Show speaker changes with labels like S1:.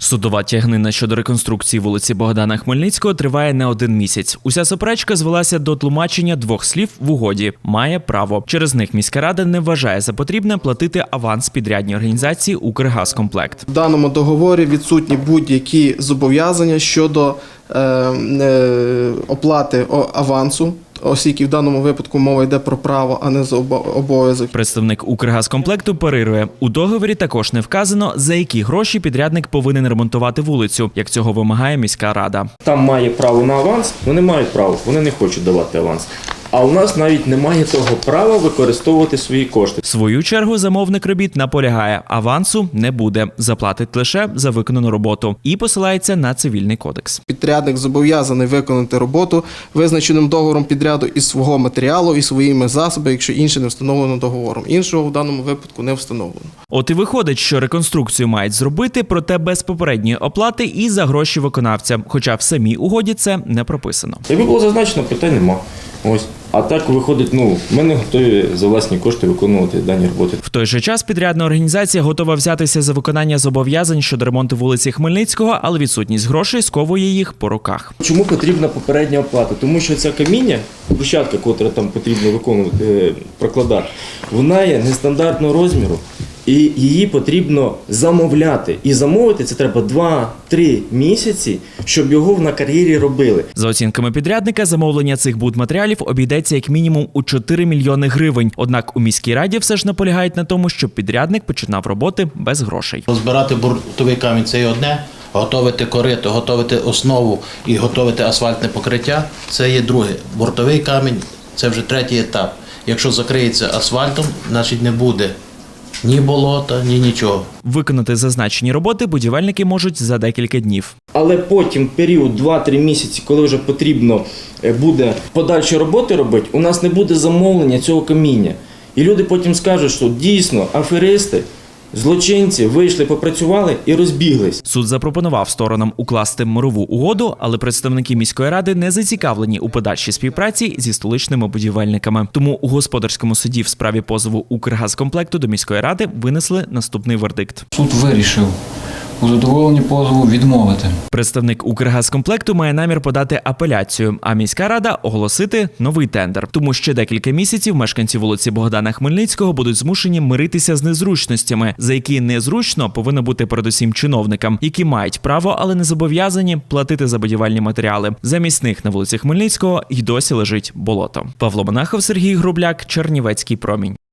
S1: Судова тягнина щодо реконструкції вулиці Богдана Хмельницького триває не один місяць. Уся суперечка звелася до тлумачення двох слів в угоді «має право». Через них міська рада не вважає за потрібне платити аванс підрядній організації «Укргазкомплект».
S2: В даному договорі відсутні будь-які зобов'язання щодо оплати авансу, оскільки в даному випадку мова йде про право, а не за обов'язок.
S1: Представник «Укргазкомплекту» парирує, у договорі також не вказано, за які гроші підрядник повинен ремонтувати вулицю, як цього вимагає міська рада.
S3: Там має право на аванс, вони мають право, вони не хочуть давати аванс. А у нас навіть немає того права використовувати свої кошти.
S1: В свою чергу замовник робіт наполягає, авансу не буде, заплатить лише за виконану роботу і посилається на цивільний кодекс.
S2: Підрядник зобов'язаний виконати роботу визначеним договором підряду із свого матеріалу і своїми засобами, якщо інше не встановлено договором. Іншого в даному випадку не встановлено.
S1: От і виходить, що реконструкцію мають зробити, проте без попередньої оплати і за гроші виконавця, хоча в самій угоді це не прописано.
S3: Якби було зазначено, питань нема. Ось. А так виходить, ми не готові за власні кошти виконувати дані роботи.
S1: В той же час підрядна організація готова взятися за виконання зобов'язань щодо ремонту вулиці Хмельницького, але відсутність грошей сковує їх по руках.
S3: Чому потрібна попередня оплата? Тому що ця каміння, брусчатка, котра там потрібно виконувати, прокладати, вона є нестандартного розміру. І її потрібно замовляти. І замовити це треба 2-3 місяці, щоб його на кар'єрі робили.
S1: За оцінками підрядника, замовлення цих будматеріалів обійдеться як мінімум у 4 мільйони гривень. Однак у міській раді все ж наполягають на тому, щоб підрядник починав роботи без грошей.
S4: Розбирати буртовий камінь – це є одне, готовити корито, готовити основу і готовити асфальтне покриття – це є друге. Бортовий камінь – це вже третій етап. Якщо закриється асфальтом, значить не буде ні болота, ні нічого.
S1: Виконати зазначені роботи будівельники можуть за декілька днів.
S3: Але потім період 2-3 місяці, коли вже потрібно буде подальші роботи робити, у нас не буде замовлення цього каміння. І люди потім скажуть, що дійсно аферисти, злочинці вийшли, попрацювали і розбіглись.
S1: Суд запропонував сторонам укласти мирову угоду, але представники міської ради не зацікавлені у подальшій співпраці зі столичними будівельниками. Тому у господарському суді в справі позову «Укргазкомплекту» до міської ради винесли наступний вердикт.
S5: Суд вирішив у задоволенні позову відмовити.
S1: Представник «Укргазкомплекту» має намір подати апеляцію, а міська рада оголосити новий тендер. Тому ще декілька місяців мешканці вулиці Богдана Хмельницького будуть змушені миритися з незручностями, за які незручно повинно бути передусім чиновникам, які мають право, але не зобов'язані платити за будівельні матеріали. Замість них на вулиці Хмельницького й досі лежить болото. Павло Монахов, Сергій Грубляк, Чернівецький промінь.